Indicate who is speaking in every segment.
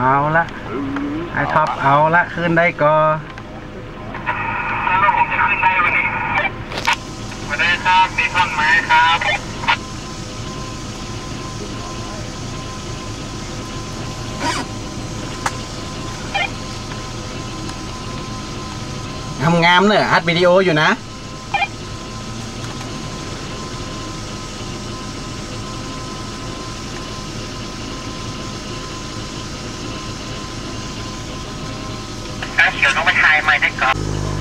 Speaker 1: เอาละไอท็อปเอาละขึ้นได้ก็
Speaker 2: แล้วผมจะขึ้นได้วันนี้มาได้ครับมีท่อนไม้ครับ
Speaker 1: ทำงามเนอะอัดวิดีโออยู่นะ
Speaker 2: เขียวต้องไปถ่ายไม้ได้ก่อน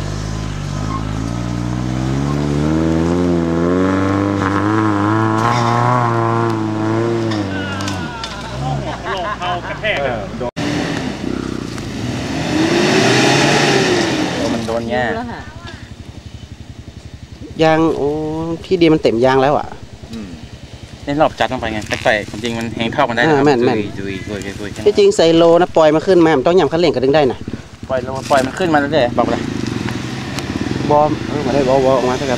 Speaker 2: เข้ากระแทก
Speaker 1: มันโดนแง่ยางโอ้พี่ดีมันเต็มยางแล้วอ่ะ
Speaker 3: นี่รอบจัดลงไปไงแต่จริงมันแหงเท่ากันได้
Speaker 1: แม่นที่จริงไซโลนะปล่อยมาขึ้นมามันต้องยำคันเร่งกระดึงได้นะ
Speaker 3: ปล่อยมันขึ้นมาแล้วเลยบอกเลย
Speaker 1: บอมมาได้บอออกมาสักครับ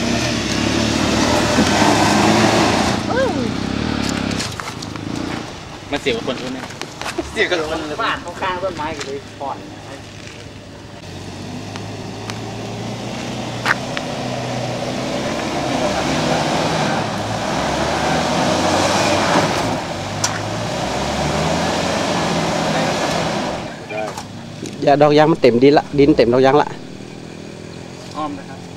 Speaker 3: มันเสียกับคนนี้เสียกับคน
Speaker 1: บ้านข้างต้นไม้กันเลยผ่อนอย่าดอกยางมันเต็มดินละดินเต็มดอกยางละ
Speaker 3: อ้อมนะครับ